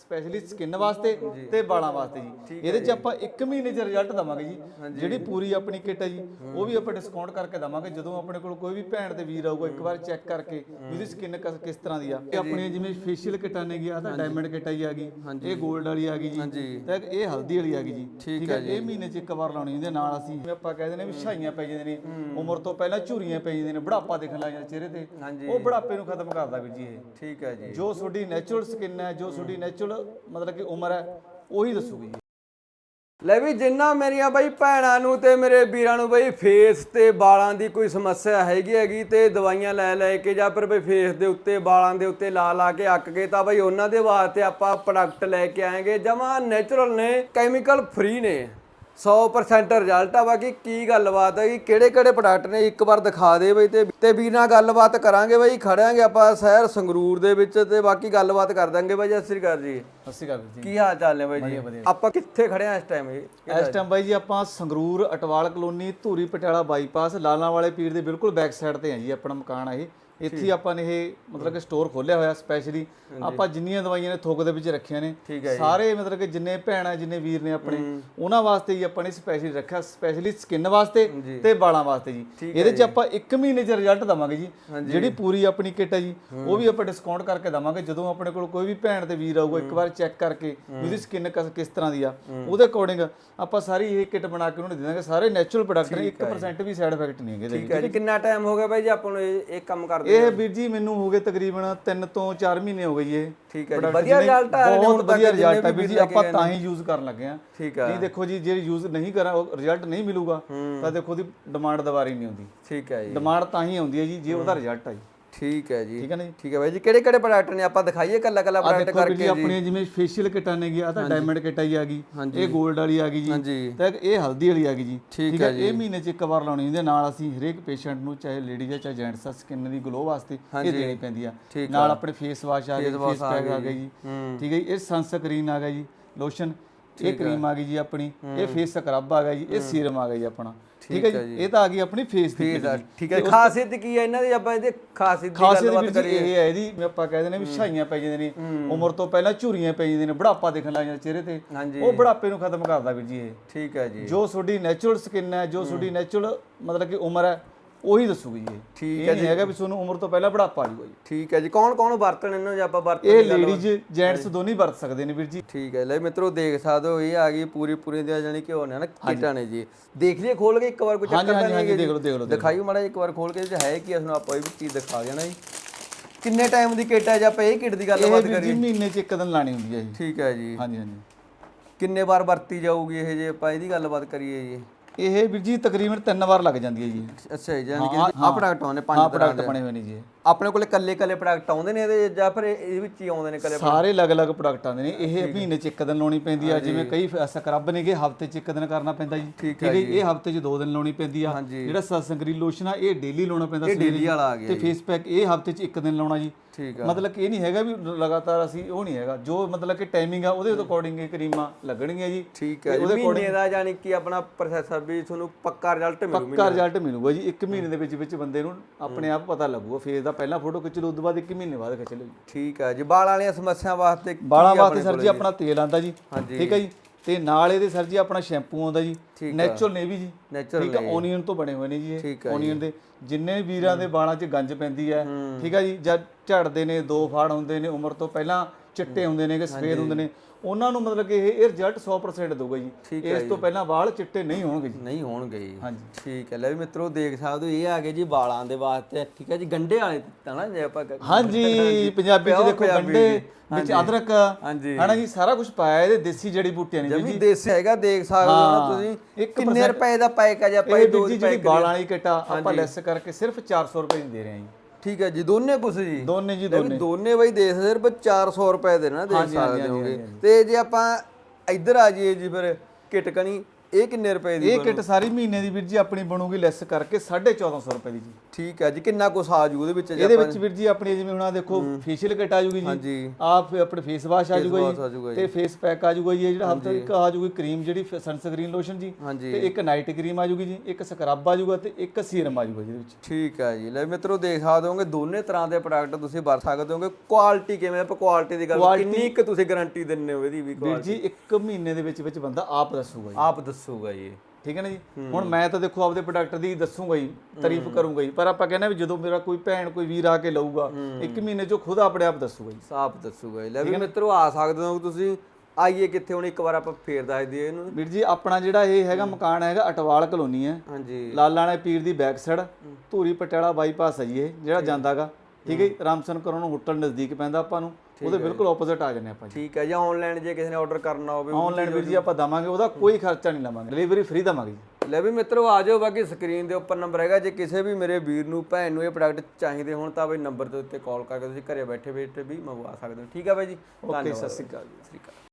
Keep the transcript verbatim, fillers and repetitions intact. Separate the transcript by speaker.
Speaker 1: Specially skin ਵਾਸਤੇ ਤੇ ਵਾਲਾਂ ਵਾਸਤੇ ਜੀ। ਇਹਦੇ ਚ ਆਪਾਂ ਇੱਕ ਮਹੀਨੇ ਚ ਰਿਜ਼ਲਟ ਦਵਾਂਗੇ ਜੀ। ਜਿਹੜੀ ਪੂਰੀ ਆਪਣੀ ਕਿੱਟ ਹੈ ਜੀ ਉਹ ਵੀ ਆਪਾਂ ਡਿਸਕਾਊਂਟ ਕਰਕੇ ਦਵਾਂਗੇ। ਜਦੋਂ ਆਪਣੇ ਕੋਲ ਕੋਈ ਵੀ ਭੈਣ ਤੇ ਵੀਰ ਆਊਗਾ ਇੱਕ ਵਾਰ ਚੈੱਕ ਕਰਕੇ ਇਹਦੀ ਸਕਿਨ ਕਿਸ ਤਰ੍ਹਾਂ ਦੀ ਆ। ਇਹ ਆਪਣੀਆਂ ਜਿਵੇਂ ਫੇਸ਼ੀਅਲ ਕਿੱਟਾਂ ਨੇ ਗਿਆ ਤਾਂ ਡਾਇਮੰਡ ਕਿੱਟ ਆਈ ਆ ਗਈ, ਇਹ 골ਡ ਵਾਲੀ ਆ ਗਈ ਜੀ, ਤੇ ਇਹ ਹਲਦੀ ਵਾਲੀ ਆ ਗਈ ਜੀ। ਠੀਕ ਹੈ, ਇਹ ਮਹੀਨੇ ਚ ਇੱਕ ਵਾਰ ਲਾਉਣੀ। ਇਹਦੇ ਨਾਲ ਅਸੀਂ ਜਿਵੇਂ ਆਪਾਂ ਕਹਿੰਦੇ ਨੇ ਵੀ ਛਾਈਆਂ ਪੈ ਜਾਂਦੇ ਨੇ, ਉਮਰ ਤੋਂ ਪਹਿਲਾਂ ਝੁਰੀਆਂ ਪੈ ਜਾਂਦੇ ਨੇ, ਬੁਢਾਪਾ ਦਿਖਣ ਲੱਗ ਜਾਂਦਾ ਚਿਹਰੇ ਤੇ, ਉਹ ਬੁਢਾਪੇ ਨੂੰ ਖਤਮ ਕਰਦਾ ਵੀਰ ਜੀ ਇਹ।
Speaker 2: ਠੀਕ ਹੈ ਜੀ।
Speaker 1: ਜੋ ਤੁਹਾਡੀ ਨੈਚੁਰਲ ਸਕਿਨ ਹੈ, ਜੋ ਤੁਹਾਡੀ ਨੈਚੁਰਲ ਮਤਲਬ ਕਿ ਉਮਰ ਹੈ, ਉਹੀ ਦੱਸੂਗੀ ਜੀ।
Speaker 2: ਲੈ ਵੀ ਜਿੰਨਾ ਮੇਰੀਆਂ ਬਾਈ ਭੈਣਾਂ ਨੂੰ ਤੇ ਮੇਰੇ ਵੀਰਾਂ ਨੂੰ ਬਈ ਫੇਸ ਤੇ ਵਾਲਾਂ ਦੀ ਕੋਈ ਸਮੱਸਿਆ ਹੈਗੀ ਹੈਗੀ ਤੇ ਦਵਾਈਆਂ ਲੈ ਲੈ ਕੇ ਜਾਂ ਫਿਰ ਬਈ ਫੇਸ ਦੇ ਉੱਤੇ ਵਾਲਾਂ ਦੇ ਉੱਤੇ ਲਾ ਲਾ ਕੇ ਅੱਕ ਗਏ, ਤਾਂ ਬਈ ਉਹਨਾਂ ਦੇ ਵਾਸਤੇ ਆਪਾਂ ਪ੍ਰੋਡਕਟ ਲੈ ਕੇ ਆਏਗੇ ਜਮਾ ਨੈਚੁਰਲ ਨੇ, ਕੈਮੀਕਲ ਫ੍ਰੀ ਨੇ, ਸੌ ਪਰਸੈਂਟ ਰਿਜ਼ਲਟ ਆ। ਬਾਕੀ ਕੀ ਗੱਲਬਾਤ ਹੈ ਕਿ ਕਿਹੜੇ ਕਿਹੜੇ ਪ੍ਰੋਡਕਟ ਨੇ ਇੱਕ ਵਾਰ ਦਿਖਾ ਦੇ ਬਈ, ਤੇ ਤੇ ਵੀਰ ਨਾਲ ਗੱਲਬਾਤ ਕਰਾਂਗੇ ਬਈ। ਖੜਿਆਂਗੇ ਆਪਾਂ ਸ਼ਹਿਰ ਸੰਗਰੂਰ ਦੇ ਵਿੱਚ ਤੇ ਬਾਕੀ ਗੱਲਬਾਤ ਕਰ ਦਾਂਗੇ ਬਾਈ। ਸਤਿ ਸ੍ਰੀ ਅਕਾਲ ਜੀ।
Speaker 1: ਸਤਿ ਸ਼੍ਰੀ ਅਕਾਲ ਜੀ।
Speaker 2: ਕੀ ਹਾਲ ਚਾਲ ਨੇ ਬਾਈ ਜੀ? ਆਪਾਂ ਕਿੱਥੇ ਖੜੇ ਆ ਇਸ ਟਾਈਮ?
Speaker 1: ਇਸ ਟਾਈਮ ਬਾਈ ਜੀ ਆਪਾਂ ਸੰਗਰੂਰ ਅਟਵਾਲ ਕਲੋਨੀ ਧੂਰੀ ਪਟਿਆਲਾ ਬਾਈਪਾਸ ਲਾਲਾਂ ਵਾਲੇ ਪੀਰ ਦੇ ਬਿਲਕੁਲ ਬੈਕ ਸਾਈਡ ਤੇ ਆ ਜੀ ਆਪਣਾ ਮਕਾਨ ਆ ਇਹ। ਇੱਥੇ ਆਪਾਂ ਨੇ ਇਹ ਮਤਲਬ ਕਿ ਸਟੋਰ ਖੋਲਿਆ ਹੋਇਆ ਸਪੈਸ਼ਲੀ। ਆਪਾਂ ਜਿੰਨੀਆਂ ਦਵਾਈਆਂ ਨੇ ਥੋਕ ਦੇ ਵਿੱਚ ਰੱਖੀਆਂ ਨੇ ਸਾਰੇ, ਮਤਲਬ ਕਿ ਜਿੰਨੇ ਭੈਣ ਆ ਜਿੰਨੇ ਵੀਰ ਨੇ ਆਪਣੇ, ਉਹਨਾਂ ਵਾਸਤੇ ਹੀ ਆਪਾਂ ਨੇ ਸਪੈਸ਼ਲੀ ਰੱਖਿਆ, ਸਪੈਸ਼ਲੀ ਸਕਿਨ ਵਾਸਤੇ ਤੇ ਵਾਲਾਂ ਵਾਸਤੇ ਜੀ। ਇਹਦੇ ਚ ਆਪਾਂ ਇੱਕ ਮਹੀਨੇ ਚ ਰਿਜ਼ਲਟ ਦਵਾਂਗੇ ਜੀ। ਜਿਹੜੀ ਪੂਰੀ ਆਪਣੀ ਕਿੱਟ ਹੈ ਜੀ ਉਹ ਵੀ ਆਪਾਂ ਡਿਸਕਾਊਂਟ ਕਰਕੇ ਦਵਾਂਗੇ। ਜਦੋਂ ਆਪਣੇ ਕੋਲ ਕੋਈ ਵੀ ਭੈਣ ਤੇ ਵੀਰ ਆਊਗਾ ਇੱਕ ਵਾਰ ਚੈੱਕ ਕਰਕੇ ਇਹਦੀ ਸਕਿਨ ਕਿਸ ਤਰ੍ਹਾਂ ਦੀ ਆ, ਉਹਦੇ ਅਕੋਰਡਿੰਗ ਆਪਾਂ ਸਾਰੀ ਇਹ ਕਿੱਟ ਬਣਾ ਕੇ ਉਹਨੂੰ ਦੇ ਦਾਂਗੇ। ਸਾਰੇ ਨੈਚੁਰਲ ਪ੍ਰੋਡਕਟ ਨੇ, ਇੱਕ ਪਰਸੈਂਟ ਵੀ ਸਾਈਡ ਇਫੈਕਟ ਨਹੀਂ ਹੈਗੇ।
Speaker 2: ਠੀਕ ਹੈ ਜੀ। ਕਿੰਨਾ ਟਾਈਮ ਹੋ ਗਿਆ ਬਾਈ ਜੀ ਆਪਾਂ ਨੂੰ ਇਹ ਕੰਮ ਕਰਦੇ?
Speaker 1: ਇਹ ਵੀਰ ਜੀ ਮੈਨੂੰ ਹੋ ਗਏ ਤਕਰੀਬਨ ਤਿੰਨ ਤੋਂ ਚਾਰ ਮਹੀਨੇ ਹੋ ਗਏ ਜੀ ਇਹ।
Speaker 2: ਠੀਕ ਹੈ ਜੀ। ਵਧੀਆ ਰਿਜ਼ਲਟ ਆ ਰਿਹਾ?
Speaker 1: ਬਹੁਤ ਵਧੀਆ ਰਿਜ਼ਲਟ ਆ ਵੀਰ ਜੀ। ਆਪਾਂ ਤਾਂ ਹੀ ਯੂਜ਼ ਕਰਨ ਲੱਗੇ ਆ।
Speaker 2: ਠੀਕ ਹੈ
Speaker 1: ਜੀ। ਦੇਖੋ ਜੀ, ਜੇ ਯੂਜ਼ ਨਹੀਂ ਕਰਾਂ ਉਹ ਰਿਜ਼ਲਟ ਨਹੀਂ ਮਿਲੂਗਾ ਤਾਂ ਦੇਖੋ ਉਹਦੀ ਡਿਮਾਂਡ ਦੁਬਾਰਾ ਹੀ ਨਹੀਂ ਆਉਂਦੀ।
Speaker 2: ਠੀਕ ਹੈ ਜੀ।
Speaker 1: ਡਿਮਾਂਡ ਤਾਂ ਹੀ ਆਉਂਦੀ ਹੈ ਜੀ ਜੇ ਉਹਦਾ ਰਿਜ਼ਲਟ ਆ ਜੀ।
Speaker 2: ਠੀਕ ਹੈ ਜੀ।
Speaker 1: ਠੀਕ ਹੈ ਨਾ ਜੀ।
Speaker 2: ਠੀਕ ਹੈ ਬਾਈ ਜੀ। ਕਿਹੜੇ ਕਿਹੜੇ ਪ੍ਰੋਡਕਟ ਨੇ ਆਪਾਂ ਦਿਖਾਈਏ ਕੱਲਾ ਕੱਲਾ ਪ੍ਰੋਡਕਟ ਕਰਕੇ ਜੀ?
Speaker 1: ਆਪਣੀਆਂ ਜਿਵੇਂ ਫੇਸ਼ੀਅਲ ਕਿੱਟਾਂ ਨੇ ਗਿਆ ਤਾਂ ਡਾਇਮੰਡ ਕਿੱਟ ਆਈ ਆ ਗਈ, ਇਹ 골ਡ ਵਾਲੀ ਆ ਗਈ ਜੀ, ਤੇ ਇਹ ਹਲਦੀ ਵਾਲੀ ਆ ਗਈ ਜੀ। ਠੀਕ ਹੈ, ਇਹ ਮਹੀਨੇ ਚ ਇੱਕ ਵਾਰ ਲਾਉਣੀ। ਇਹਦੇ ਨਾਲ ਅਸੀਂ ਹਰੇਕ ਪੇਸ਼ੈਂਟ ਨੂੰ, ਚਾਹੇ ਲੇਡੀਜ਼ ਆ ਚਾਹੇ ਜੈਂਟਸ ਆ, ਸਕਿਨ ਦੀ ਗਲੋ ਵਾਸਤੇ ਇਹ ਦੇਣੀ ਪੈਂਦੀ ਆ। ਨਾਲ ਆਪਣੇ ਫੇਸ ਵਾਸ਼ ਆ ਗਏ, ਫੇਸ ਪੈਕ ਆ ਗਏ ਜੀ। ਠੀਕ ਹੈ ਜੀ। ਇਹ ਸਨਸਕ੍ਰੀਨ ਆ ਗਿਆ ਜੀ, ਲੋਸ਼ਨ, ਇਹ ਕਰੀਮ ਆ ਗਈ ਜੀ ਆਪਣੀ, ਇਹ ਫੇਸ ਸਕਰਬ ਆ ਗਿਆ ਜੀ, ਇਹ ਸੀਰਮ ਆ ਗਿਆ ਜੀ ਆਪਣਾ। ਠੀਕ ਹੈ ਜੀ। ਇਹ ਤਾਂ ਆ ਗਈ ਆਪਣੀ ਫੇਸ ਦੀ।
Speaker 2: ਠੀਕ ਹੈ। ਖਾਸੀਅਤ ਕੀ ਹੈ ਇਹਨਾਂ ਦੀ? ਆਪਾਂ ਇਹਦੇ ਖਾਸੀਅਤ ਦੀ ਗੱਲਬਾਤ ਕਰੀਏ।
Speaker 1: ਇਹ ਹੈ ਇਹਦੀ, ਆਪਾਂ ਕਹਿੰਦੇ ਨੇ ਵੀ ਛਾਈਆਂ ਪੈ ਜਾਂਦੇ ਨੇ, ਉਮਰ ਤੋਂ ਪਹਿਲਾਂ ਝੁਰੀਆਂ ਪੈ ਜਾਂਦੀਆਂ ਨੇ, ਬੁਢਾਪਾ ਦਿਖਣ ਲੱਗ ਜਾਂਦਾ ਚਿਹਰੇ ਤੇ, ਉਹ ਬੁਢਾਪੇ ਨੂੰ ਖਤਮ ਕਰਦਾ ਵੀਰ ਜੀ ਇਹ।
Speaker 2: ਠੀਕ ਹੈ ਜੀ।
Speaker 1: ਜੋ ਤੁਹਾਡੀ ਨੈਚੁਰਲ ਸਕਿਨ ਹੈ, ਜੋ ਤੁਹਾਡੀ ਨੈਚੁਰਲ ਮਤਲਬ ਕਿ ਉਮਰ ਹੈ, ਉਹੀ ਦੱਸੂਗੀ ਜੀ ਇਹ।
Speaker 2: ਠੀਕ ਹੈ ਜੀ।
Speaker 1: ਇਹ ਹੈਗਾ ਵੀ ਤੁਹਾਨੂੰ ਉਮਰ ਤੋਂ ਪਹਿਲਾਂ ਬੁਢਾਪਾ ਆ ਜਾਊਗਾ ਜੀ।
Speaker 2: ਠੀਕ ਹੈ ਜੀ। ਕੌਣ ਕੌਣ ਵਰਤਣ ਇਹਨੂੰ ਜੇ ਆਪਾਂ ਵਰਤਣ?
Speaker 1: ਇਹ ਲੇਡੀਜ਼ ਜੈਂਟਸ ਦੋਨੇ ਵਰਤ ਸਕਦੇ ਨੇ ਵੀਰ ਜੀ।
Speaker 2: ਠੀਕ ਹੈ। ਲੈ ਮਿੱਤਰੋ ਦੇਖ ਸਕਦੇ ਹੋ, ਇਹ ਆ ਗਈ ਪੂਰੀ ਪੂਰੀ ਦੀ ਜਾਨੀ ਕਿ ਹੋਣੇ ਨਾ ਕਿੱਟਾਂ ਨੇ ਜੀ। ਦੇਖ ਲਈਏ ਖੋਲ ਕੇ ਇੱਕ ਵਾਰ, ਕੋਈ ਚੱਕਰ ਤਾਂ ਨਹੀਂ ਹੈ?
Speaker 1: ਦੇਖ ਲਓ ਦੇਖ ਲਓ
Speaker 2: ਦਿਖਾਈਓ ਮਾੜਾ ਇੱਕ ਵਾਰ ਖੋਲ ਕੇ ਜੇ ਹੈ ਕੀ ਸਾਨੂੰ ਆਪਾਂ ਇਹ ਵੀ ਚੀਜ਼ ਦਿਖਾ ਦੇਣਾ ਜੀ। ਕਿੰਨੇ ਟਾਈਮ ਦੀ ਕਿੱਟ ਹੈ ਜੇ ਆਪਾਂ ਇਹ ਕਿੱਟ ਦੀ ਗੱਲਬਾਤ ਕਰੀਏ?
Speaker 1: ਇਹ ਮਹੀਨੇ ਚ ਇੱਕ ਦਿਨ ਲਾਣੀ ਹੁੰਦੀ ਹੈ ਜੀ।
Speaker 2: ਠੀਕ ਹੈ ਜੀ।
Speaker 1: ਹਾਂਜੀ ਹਾਂਜੀ।
Speaker 2: ਕਿੰਨੇ ਵਾਰ ਵਰਤੀ ਜਾਊਗੀ ਇਹ ਜੇ ਆਪਾਂ ਇਹਦੀ ਗੱਲਬਾਤ ਕਰੀਏ ਜੀ?
Speaker 1: ਇਹ ਵੀਰ ਜੀ ਤਕਰੀਬਨ ਤਿੰਨ ਵਾਰ ਲੱਗ ਜਾਂਦੀ ਹੈ ਜੀ।
Speaker 2: ਅੱਛਾ ਜੀ। ਯਾਨੀ ਕਿ ਆਹ ਪ੍ਰੋਡਕਟ ਆਉਂਦੇ ਪੰਜ ਤਰ੍ਹਾਂ ਦੇ
Speaker 1: ਬਣੇ ਹੋਏ ਨੇ ਜੀ।
Speaker 2: ਆਪਣੇ ਕੋਲੇ ਕੱਲੇ ਕੱਲੇ ਪ੍ਰੋਡਕਟ ਆਉਂਦੇ ਨੇ ਇਹਦੇ ਜਾਂ ਫਿਰ ਇਹਦੇ ਵਿੱਚ ਹੀ ਆਉਂਦੇ ਨੇ ਕੱਲੇ?
Speaker 1: ਸਾਰੇ ਅਲੱਗ-ਅਲੱਗ ਪ੍ਰੋਡਕਟ ਆਉਂਦੇ ਨੇ। ਇਹ ਮਹੀਨੇ ਚ ਇੱਕ ਦਿਨ ਲਾਉਣੀ ਪੈਂਦੀ ਆ। ਜਿਵੇਂ ਕਈ ਸਕਰਬ ਨੇਗੇ ਹਫਤੇ ਚ ਇੱਕ ਦਿਨ ਕਰਨਾ ਪੈਂਦਾ ਜੀ। ਠੀਕ ਹੈ ਜੀ। ਇਹ ਹਫਤੇ ਚ ਦੋ ਦਿਨ ਲਾਉਣੀ ਪੈਂਦੀ ਆ। ਜਿਹੜਾ ਸਨਸਕ੍ਰੀਨ ਲੋਸ਼ਨ ਆ ਇਹ ਡੇਲੀ ਲਾਉਣਾ ਪੈਂਦਾ।
Speaker 2: ਇਹ ਡੇਲੀ ਵਾਲਾ ਆ ਗਿਆ।
Speaker 1: ਤੇ ਫੇਸ ਪੈਕ ਇਹ ਹਫਤੇ ਚ ਇੱਕ ਦਿਨ ਲਾਉਣਾ ਜੀ।
Speaker 2: ਠੀਕ ਆ।
Speaker 1: ਮਤਲਬ ਕਿ ਇਹ ਨਹੀਂ ਹੈਗਾ ਵੀ ਲਗਾਤਾਰ ਅਸੀਂ, ਉਹ ਨਹੀਂ ਹੈਗਾ। ਜੋ ਮਤਲਬ ਕਿ ਟਾਈਮਿੰਗ ਆ ਉਹਦੇ ਅਕੋਰਡਿੰਗ ਇਹ ਕਰੀਮਾਂ ਲੱਗਣਗੀਆਂ ਜੀ।
Speaker 2: ਠੀਕ ਹੈ। ਉਹਦੇ ਮਹੀਨੇ ਦਾ ਯਾਨੀ ਕਿ ਆਪਣਾ ਪ੍ਰੋਸੈਸਰ ਵੀ ਤੁਹਾਨੂੰ ਪੱਕਾ ਰਿਜ਼ਲਟ ਮਿਲੂਗਾ।
Speaker 1: ਪੱਕਾ ਰਿਜ਼ਲਟ ਮਿਲੂਗਾ ਜੀ। ਇੱਕ ਮਹੀਨੇ ਦੇ ਵਿੱਚ ਵਿੱਚ ਬੰਦੇ ਨੂੰ ਆਪਣੇ ਆਪ ਪਤਾ ਲੱਗੂਗਾ। ਫੇਸ ਦਾ ਪਹਿਲਾਂ ਫੋਟੋ ਖਿੱਚ ਲਓ, ਉਸ ਤੋਂ ਬਾਅਦ ਇੱਕ ਮਹੀਨੇ ਬਾਅਦ ਖਿੱਚ ਲਓ ਜੀ।
Speaker 2: ਠੀਕ ਹੈ ਜੀ। ਵਾਲਾਂ ਵਾਲੀਆਂ ਸਮੱਸਿਆ ਵਾਸਤੇ
Speaker 1: ਵਾਲਾਂ ਵਾਸਤੇ ਸਰ ਜੀ ਆਪਣਾ ਤੇਲ ਆਂਦਾ ਜੀ। ਠੀਕ ਹੈ ਜੀ। ਤੇ ਨਾਲ ਇਹਦੇ ਸਰ ਜੀ ਆਪਣਾ ਸ਼ੈਂਪੂ ਆਉਂਦਾ ਜੀ, ਨੈਚੁਰਲ ਨੇਵੀ ਜੀ। ਠੀਕ ਹੈ। ਓਨੀਅਨ ਤੋਂ ਬਣੇ ਹੋਏ ਨੇ ਜੀ ਇਹ। ਓਨੀਅਨ ਦੇ ਜਿੰਨੇ ਵੀਰਾਂ ਦੇ ਵਾਲਾਂ 'ਚ ਗੰਜ ਪੈਂਦੀ ਹੈ, ਠੀਕ ਹੈ ਜੀ, ਜਦ ਝੜਦੇ ਨੇ, ਦੋ ਫਾੜ ਹੁੰਦੇ ਨੇ, ਉਮਰ ਤੋਂ ਪਹਿਲਾਂ ਚਿੱਟੇ ਹੁੰਦੇ ਨੇ ਕਿ ਸਫੇਦ ਹੁੰਦੇ ਨੇ, ਉਹਨਾਂ ਨੂੰ ਮਤਲਬ ਕਿ ਇਹ ਰਿਜ਼ਲਟ ਸੌ ਪਰਸੈਂਟ ਦਊਗਾ ਜੀ। ਇਸ ਤੋਂ ਪਹਿਲਾਂ ਵਾਲ ਚਿੱਟੇ ਨਹੀਂ ਹੋਣਗੇ ਜੀ।
Speaker 2: ਨਹੀਂ ਹੋਣਗੇ ਜੀ।
Speaker 1: ਹਾਂਜੀ।
Speaker 2: ਠੀਕ ਹੈ। ਲੈ ਵੀ ਮਿੱਤਰੋ ਦੇਖ ਸਕਦੇ ਹੋ, ਇਹ ਆ ਗਏ ਜੀ ਵਾਲਾਂ ਦੇ ਵਾਸਤੇ। ਠੀਕ ਹੈ ਜੀ। ਗੰਡੇ ਵਾਲੇ ਤਾਂ ਨਾ ਜੇ ਆਪਾਂ
Speaker 1: ਹਾਂਜੀ ਪੰਜਾਬੀ ਚ ਦੇਖੋ ਗੰਡੇ ਵਿੱਚ ਅਦਰਕ
Speaker 2: ਹਾਂਜੀ
Speaker 1: ਹਨਾ ਜੀ, ਸਾਰਾ ਕੁਝ ਪਾਇਆ ਇਹਦੇ। ਦੇਸੀ ਜੜੀ ਬੂਟੀਆਂ ਨੇ
Speaker 2: ਜੀ। ਦੇਸੀ ਹੈਗਾ, ਦੇਖ ਸਕਦੇ ਹੋ ਨਾ ਤੁਸੀਂ। ਕਿੰਨੇ ਰੁਪਏ ਦਾ ਪੈਕ ਆ ਜੀ? ਆਪਾਂ ਇਹ ਦੋ
Speaker 1: ਜਿਹੜੀ ਵਾਲਾਂ ਵਾਲੀ ਕਿੱਟ ਆਪਾਂ ਲੈਸ ਕਰਕੇ ਸਿਰਫ ਚਾਰ ਸੌ ਰੁਪਏ ਦੀ ਦੇ ਰਹੇ ਹਾਂ ਜੀ।
Speaker 2: ਠੀਕ ਹੈ ਜੀ। ਦੋਨੇ ਕੁਛ ਜੀ?
Speaker 1: ਦੋਨੇ ਜੀ ਦੋਨੇ।
Speaker 2: ਦੋਨੇ ਬਾਈ ਦੇਖ ਸਿਰਫ ਚਾਰ ਸੌ ਰੁਪਏ ਦੇ ਨਾ ਦੇਖ ਸਕਦੇ ਹੋਗੇ। ਤੇ ਜੇ ਆਪਾਂ ਇੱਧਰ ਆ ਜਾਈਏ ਜੀ ਫਿਰ ਕਿੱਟ ਕਣੀ, ਇਹ ਕਿੰਨੇ ਰੁਪਏ ਦੀ
Speaker 1: ਇਹ ਕਿੱਟ ਸਾਰੀ ਮਹੀਨੇ ਦੀ ਵੀਰ ਜੀ ਆਪਣੀ ਬਣੂਗੀ ਲੈਸ ਕਰਕੇ ਚੌਦਾਂ ਸੌ ਰੁਪਏ ਦੀ ਜੀ।
Speaker 2: ਠੀਕ ਹੈ ਜੀ। ਕਿੰਨਾ ਕੁਛ ਆ ਜੂ ਉਹਦੇ ਵਿੱਚ?
Speaker 1: ਇਹਦੇ ਵਿੱਚ ਵੀਰ ਜੀ ਆਪਣੀ ਜਿਵੇਂ ਹੁਣ ਆਹ ਦੇਖੋ ਫੇਸ਼ੀਅਲ ਕਿੱਟ ਆ ਜੂਗੀ ਜੀ,
Speaker 2: ਹਾਂਜੀ
Speaker 1: ਆਪ ਆਪਣੇ ਫੇਸ ਵਾਸ਼ ਆ ਜੂਗਾ
Speaker 2: ਆ ਜਾਊਗਾ
Speaker 1: ਜੀ, ਤੇ ਫੇਸ ਪੈਕ ਆ ਜੂਗਾ ਜੀ, ਇਹ ਜਿਹੜਾ ਹਫਤਾ ਇੱਕ ਆ ਜੂਗੀ ਕਰੀਮ ਜਿਹੜੀ ਸਨਸਕ੍ਰੀਨ ਲੋਸ਼ਨ ਜੀ,
Speaker 2: ਹਾਂਜੀ
Speaker 1: ਤੇ ਇੱਕ ਨਾਈਟ ਕਰੀਮ ਆ ਜੂਗੀ ਜੀ, ਇੱਕ ਸਕਰਬ ਆ ਜੂਗਾ ਤੇ ਇੱਕ ਸੀਰਮ ਆ ਜੂਗਾ ਜੀ ਇਹਦੇ ਵਿੱਚ।
Speaker 2: ਠੀਕ ਹੈ ਜੀ। ਲੈ ਮਿੱਤਰੋ ਦੇਖ ਸਕਦੇ ਹੋਗੇ ਦੋਨੇ ਤਰ੍ਹਾਂ ਦੇ ਪ੍ਰੋਡਕਟ ਤੁਸੀਂ ਵਰਤ ਸਕਦੇ ਹੋਗੇ। ਕੁਆਲਿਟੀ ਕਿਵੇਂ? ਆਪਾਂ ਕੁਆਲਿਟੀ ਦੀ ਗੱਲ ਕਿੰਨੀ ਕੁ ਤੁਸੀਂ ਗਾਰੰਟੀ ਦਿੰਦੇ ਹੋ ਇਹਦੀ ਵੀ?
Speaker 1: ਵੀਰ ਜੀ ਇੱਕ ਮਹੀਨੇ ਦੇ ਵਿੱਚ ਵਿੱਚ ਬੰਦਾ ਆਪ ਦੱਸੂਗਾ ਜੀ,
Speaker 2: ਆਪ ਦੱਸੂਗਾ ਜੀ, ਠੀਕ
Speaker 1: ਹੈ ਨਾ ਜੀ। ਹੁਣ ਮੈਂ ਤਾਂ ਦੇਖੋ ਆਪਦੇ ਪ੍ਰੋਡਕਟ ਦੀ ਦੱਸੂਗਾ ਜੀ, ਤਾਰੀਫ ਕਰੂੰਗਾ ਜੀ, ਪਰ ਆਪਾਂ ਕਹਿੰਦੇ ਵੀ ਜਦੋਂ ਮੇਰਾ ਕੋਈ ਭੈਣ ਕੋਈ ਵੀਰ ਆ ਕੇ ਲਊਗਾ ਇੱਕ ਮਹੀਨੇ ਚੋਂ ਖੁਦ ਆਪਣੇ ਆਪ ਦੱਸੂਗਾ ਜੀ,
Speaker 2: ਆਪ ਦੱਸੂਗਾ ਜੀ। ਲੈ ਵੀ ਮਿੱਤਰੋ ਆ ਸਕਦੇ ਹੋ ਤੁਸੀਂ। ਆਈਏ ਕਿੱਥੇ ਹੁਣ ਇੱਕ ਵਾਰ ਆਪਾਂ ਫੇਰ ਦੱਸ ਦਈਏ ਇਹਨੂੰ
Speaker 1: ਵੀਰ ਜੀ। ਆਪਣਾ ਜਿਹੜਾ ਇਹ ਹੈਗਾ ਮਕਾਨ ਹੈਗਾ ਅਟਵਾਲ ਕਲੋਨੀ ਹੈ,
Speaker 2: ਹਾਂਜੀ
Speaker 1: ਲਾਲਾਂ ਵਾਲੇ ਪੀਰ ਦੀ back side, Dhuri Patiala bypass ਹੈ ਜੀ ਇਹ ਜਿਹੜਾ ਜਾਂਦਾਗਾ, ਠੀਕ ਹੈ ਜੀ। ਰਾਮਸਨ ਕਰੋਂ ਨੂੰ ਹੋਟਲ ਨਜ਼ਦੀਕ ਪੈਂਦਾ ਆਪਾਂ ਨੂੰ, ਉਹਦੇ ਬਿਲਕੁਲ ਆਪੋਜ਼ਿਟ ਆ ਜਾਂਦੇ ਆਪਾਂ ਜੀ।
Speaker 2: ਠੀਕ ਹੈ ਜੀ। ਆਨਲਾਈਨ ਜੇ ਕਿਸੇ ਨੇ ਆਰਡਰ ਕਰਨਾ ਹੋਵੇ
Speaker 1: ਆਨਲਾਈਨ ਵੀਰ ਜੀ ਆਪਾਂ ਦਵਾਂਗੇ, ਉਹਦਾ ਕੋਈ ਖਰਚਾ ਨਹੀਂ ਲਵਾਂਗੇ, ਡਿਲੀਵਰੀ ਫ੍ਰੀ ਦਵਾਂਗੇ ਜੀ।
Speaker 2: ਲੈ ਵੀ ਮਿੱਤਰੋ ਆ ਜਾਓ, ਬਾਕੀ ਸਕਰੀਨ ਦੇ ਉੱਪਰ ਨੰਬਰ ਹੈਗਾ। ਜੇ ਕਿਸੇ ਵੀ ਮੇਰੇ ਵੀਰ ਨੂੰ ਭੈਣ ਨੂੰ ਇਹ ਪ੍ਰੋਡਕਟ ਚਾਹੀਦੇ ਹੋਣ ਤਾਂ ਬਈ ਨੰਬਰ ਦੇ ਉੱਤੇ ਕਾਲ ਕਰਕੇ ਤੁਸੀਂ ਘਰੇ ਬੈਠੇ ਬੈਠੇ ਵੀ ਮੰਗਵਾ ਸਕਦੇ ਹੋ। ਠੀਕ ਹੈ ਬਾਈ ਜੀ,
Speaker 1: ਓਕੇ, ਸਤਿ ਸ਼੍ਰੀ ਅਕਾਲ ਜੀ।
Speaker 2: ਸਤਿ ਸ਼੍ਰੀ ਅਕਾਲ।